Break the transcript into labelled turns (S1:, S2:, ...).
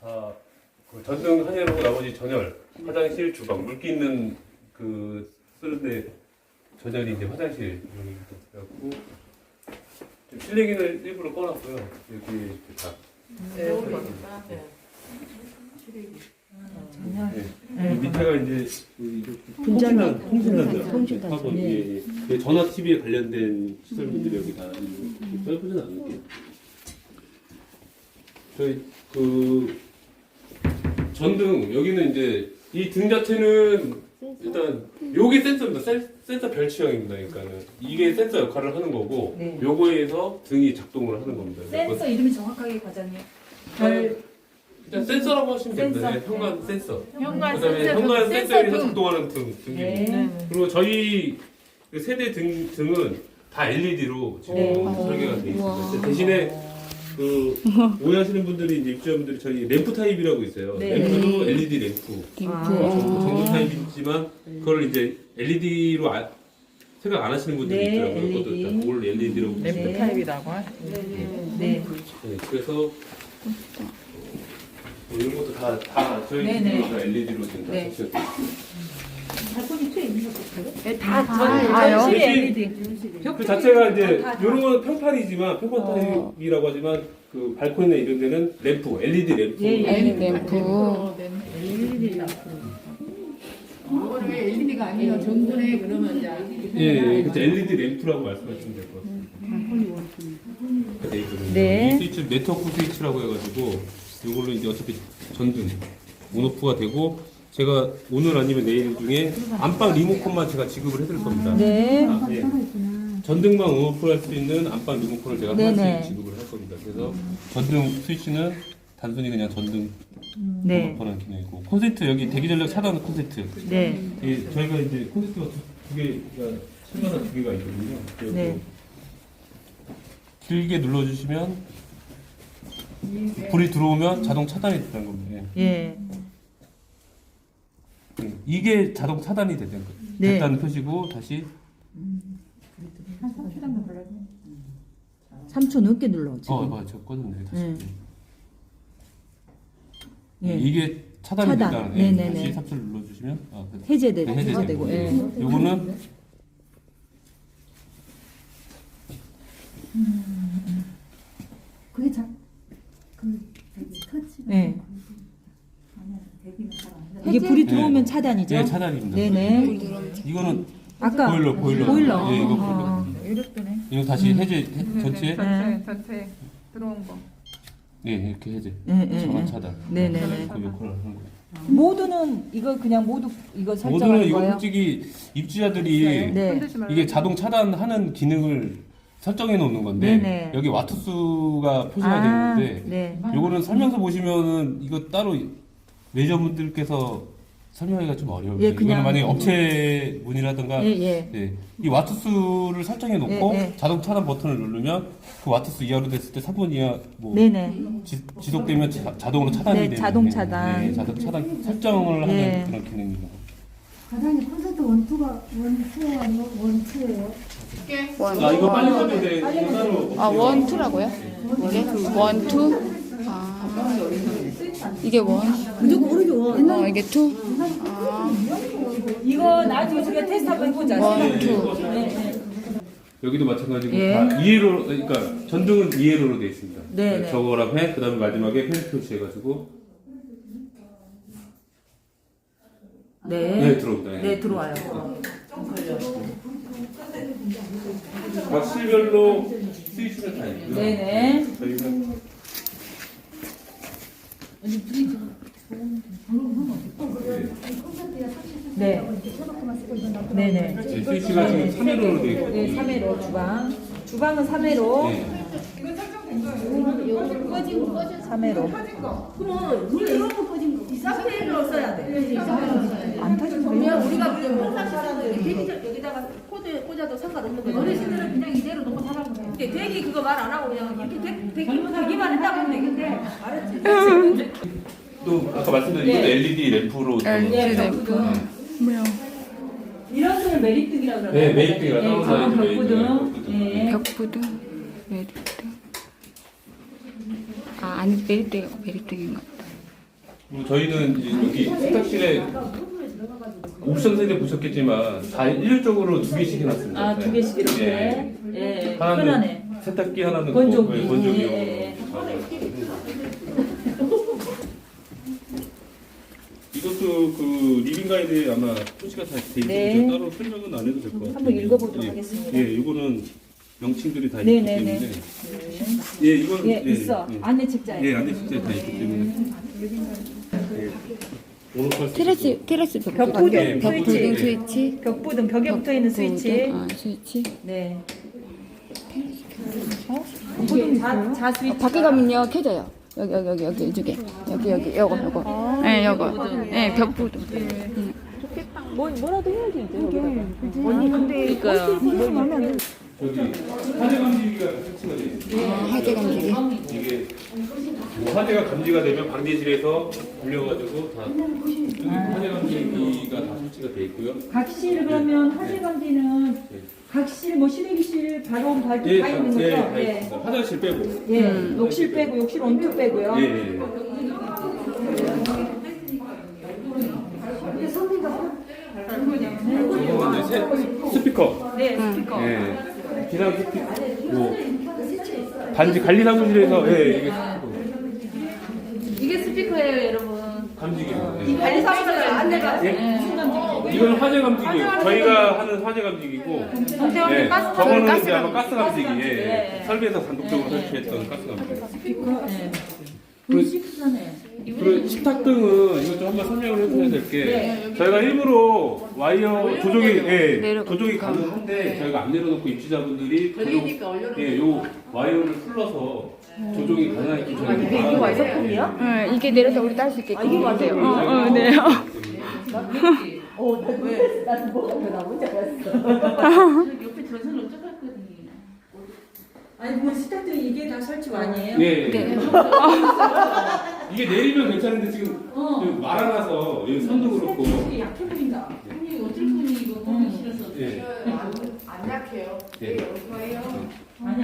S1: 다 그 전등 한해로 나머지 전열, 화장실, 주방, 물기 있는 그 쓰는데 전열이 이제 화장실 그래갖고 실내기는 일부러 꺼놨고요. 여기 이렇게 다. 밑에가 이제 통신단자 하고 전화 TV에 관련된 시설물들이 여기 다 넓지는 않을게요. 저희 그 전등 여기는 이제 이 등 자체는 일단 요게 센서입니다. 센서 별치형입니다. 그러니까는 이게 센서 역할을 하는 거고
S2: 네.
S1: 요거에 의해서 등이 작동을 하는 겁니다.
S2: 센서 이름이 정확하게 과장님.
S1: 일단 센서라고 하시면 됩니다. 네, 현관 센서.
S2: 현관
S1: 그다음에
S2: 센서.
S1: 현관 센서에 의해서
S2: 등.
S1: 작동하는 등이고
S2: 네.
S1: 그리고 저희 그 세대 등은 다 LED로 지금
S2: 네.
S1: 설계가 돼 있습니다. 대신에 그 오해하시는 분들이 이제 입주자분들이 저희 램프 타입이라고 있어요.
S2: 네.
S1: 램프도 LED 램프. 전구 타입이지만 그걸 이제 LED로 생각 안 하시는 분들이
S2: 네,
S1: 있더라고요.
S2: LED.
S1: 그것도 다 올 LED라고
S2: 램프
S1: 보시면
S2: 타입이라고 네.
S1: 그래서 이런 것도 다 저희
S2: 네,
S1: 집도
S2: 네.
S1: 다 LED로 지금 다
S2: 네.
S1: 설치가 돼 있어요.
S2: 전실이 LED.
S1: 그 자체가 이제 이런 건 평판이지만 평판 타입이라고 하지만 그 발코니나 이런 데는 램프, LED 램프.
S3: 램프.
S4: 이거는 왜 LED가 아니에요? 전분에 그러면 이제
S1: 예, 그렇죠. LED 램프라고 말씀하시면 될 것 같습니다. 돼 있거든요.
S2: 네.
S1: 이 스위치 네트워크 스위치라고 해가지고 이걸로 이제 어차피 전등 온오프가 되고 제가 오늘 아니면 내일 중에 안방 리모컨만 제가 지급을 해드릴 겁니다.
S2: 네.
S1: 아, 예. 전등만 온오프를 할 수 있는 안방 리모컨을 제가
S2: 네네.
S1: 하나씩 지급을 할 겁니다. 그래서 전등 스위치는 단순히 그냥 전등
S2: 네.
S1: 온오프라는 기능이고 콘센트 여기 대기 전력 차단 콘센트.
S2: 네.
S1: 저희가 이제 콘센트가 두 개가 실마다 두 개가 있거든요. 그래서
S2: 네.
S1: 길게 눌러주시면 불이 들어오면 자동 차단이 된다는 겁니다.
S2: 예.
S1: 이게 자동 차단이
S2: 네.
S1: 됐다는 표시고 다시
S2: 3초 넘게 눌러 지금.
S1: 맞아 꺼졌네 다시.
S2: 예.
S1: 이게 차단이
S2: 차단.
S1: 됐다는
S2: 네네네.
S1: 다시 3초를 눌러주시면
S2: 해제되고.
S1: 네,
S2: 해제되고. 예.
S1: 요거는
S4: 그게 터치.
S2: 네. 이게 불이 들어오면 차단이죠?
S1: 네 차단입니다.
S2: 네네.
S1: 이거는
S2: 아까
S1: 보일러. 예, 이거
S2: 아.
S1: 보일러.
S4: 이렇더네.
S1: 이거 다시 해제 전체.
S4: 전체 들어온 거.
S1: 네 이렇게 해제.
S2: 네,
S1: 전원
S2: 네.
S1: 차단.
S2: 네네네.
S1: 그 역할을 하는 거예요.
S2: 모두는 이거 그냥 모두 이거
S1: 모두는
S2: 설정하는
S1: 이거
S2: 거예요?
S1: 솔직히 입주자들이
S2: 네.
S1: 이게 자동 차단하는 기능을 설정해 놓는 건데
S2: 네네.
S1: 여기 와트수가 표시가
S2: 아,
S1: 되어 있는데
S2: 네.
S1: 요거는 설명서 보시면은 이거 따로 매니저분들께서 설명하기가 좀 어려워요.
S2: 예,
S1: 이거는
S2: 그냥-
S1: 만약에 업체 문이라든가
S2: 예, 예.
S1: 네, 이 와트수를 설정해 놓고
S2: 예, 예.
S1: 자동 차단 버튼을 누르면 그 와트수 이하로 됐을 때 3분 이하 뭐
S2: 네네.
S1: 지속되면 자동으로 차단이
S2: 네,
S1: 되는
S2: 자동 차단.
S1: 네, 자동 차단 설정을 하는
S2: 예.
S1: 그런 기능입니다.
S5: 과장님 콘서트 원투가 아니고 원투예요?
S1: 아 이거 빨리 꺼도 돼. 이거 따로.
S3: 아, 원투라고요? 이게? 원투? 아, 이게 원?
S5: 무조건 오르죠.
S3: 이게 투? 아,
S2: 이거 나중에 우리가 테스트 한번 해보자.
S3: 원투.
S1: 여기도 마찬가지고
S2: 예.
S1: 다 이해로 그러니까 전등은 이해로로 되어 있습니다.
S2: 네, 네.
S1: 저거랑 해 그다음에 마지막에 펜 표시해가지고
S2: 네.
S1: 들어옵니다. 예.
S2: 네, 들어와요.
S1: 각 실별로 스위치가 다 있고요.
S2: 네네.
S1: 저희가
S2: 네. 네네.
S1: 스위치가 지금 3회로로 되어 있고
S2: 네, 3회로 주방. 주방은 3회로.
S1: 네.
S2: 3회로.
S5: 그러면 물 이렇게 꺼진 거. 이 상태로 써야 돼.
S2: 안 터지면
S5: 그러면 우리가 그냥 평상시라는 대기적 여기다가 코드 꽂아도 상관없는 거죠. 어르신들은 그냥 이대로 놓고 살아보세요 대기 그거 말 안 하고 그냥 이렇게 대기만 했다고 하면 되겠는데 알았지?
S1: 또 아까 말씀드린 이것도 LED 램프로
S3: LED 램프. 뭐야?
S2: 이런 거를 메리트기라고 그러나요?
S1: 네, 메리트기가 따로
S2: 가방
S1: 나와있죠.
S2: 벽부등.
S1: 메리트.
S2: 네.
S3: 벽부등? 메리트? 아, 아니, 메리트인 것 같다.
S1: 그리고 저희는 이제 여기 세탁실에 옵션 세대 보셨겠지만 다 일률적으로 2개씩 해놨습니다.
S5: 아, 2개씩 이렇게.
S1: 예.
S5: 예.
S1: 하나는
S5: 편하네.
S1: 세탁기, 하나는
S5: 건조기.
S1: 그, 건조기용.
S5: 예.
S1: 이것도 그 리빙 가이드에 아마 표시가 다 돼 있어서
S5: 네.
S1: 제가 따로 설명은 안 해도 될 것 같아요.
S5: 한번 읽어보도록
S1: 예.
S5: 하겠습니다.
S1: 예, 이거는 명칭들이 다
S5: 네,
S1: 있기
S5: 네,
S1: 때문에.
S5: 네.
S1: 예, 이건
S5: 예, 있어.
S1: 예.
S5: 안내 책자에.
S1: 예, 안내 숙제 다 있기 때문에. 예. 오늘
S3: 테라스
S5: 벽부등
S1: 예,
S3: 벽부등
S5: 스위치.
S3: 스위치.
S5: 벽부등 벽에 붙어 있는 스위치.
S3: 아, 스위치.
S5: 네. 이게 자 스위치.
S3: 밖에 가면요 켜져요. 여기 이쪽에 여기 요거. 네, 요거. 네, 벽부등.
S5: 뭐라도 해야지 이제. 언니 근데
S3: 그러니까요.
S1: 저기 화재 감지기가 설치가 돼 있어요.
S3: 화재 감지기.
S1: 이게 뭐 화재가 감지가 되면 방대실에서 불려가지고 다 화재 감지기가 다 설치가 돼 있고요.
S5: 각실 그러면 화재 감지는 각실 뭐 실외기실 바로 다
S1: 예,
S5: 있는 거죠?
S1: 예, 다 있습니다. 화장실 빼고.
S5: 예. 욕실 빼고 욕실 온투 빼고요.
S1: 예, 예. 이거는 이제 스피커.
S5: 네, 스피커.
S1: 예. 기상 스피커. 뭐 단지 관리 사무실에서 예, 이게 스피커.
S5: 이게 스피커예요, 여러분.
S1: 감지기예요.
S5: 이 관리 사무실 안내가
S1: 예. 이건 화재 감지기예요. 저희가 하는 화재 감지기고,
S5: 동태원이
S1: 예.
S5: 가스
S1: 저거는 이제 아마 가스 감지기. 예.
S5: 예.
S1: 설비에서 단독적으로 설치했던 가스 감지기.
S5: 스피커. 네.
S1: 그-
S5: 시크하네.
S1: 그리고 식탁등은 이것 좀 한번 설명을 해줘야 될 게,
S5: 네.
S1: 저희가 일부러 와이어 조종이, 예,
S3: 내려가-
S1: 조종이 가능한데, 저희가 안 내려놓고 입주자분들이
S4: 걸리니까 올려놓고.
S1: 예, 요 와이어를 풀러서 조종이 가능하게 저희가
S5: 이게 와이어폰이야?
S3: 네, 이게 내려서 우리 딸 수 있게.
S5: 이게 맞아요.
S3: 네.
S5: 나는 뭐가 나 혼자 갔어.
S4: 옆에 전선 어떡했거든요.
S5: 아니 뭐 스타트는 이게 다 설치 아니에요?
S1: 예,
S3: 네.
S1: 이게 내리면 괜찮은데 지금 좀 말아놔서 여기 선도 그렇고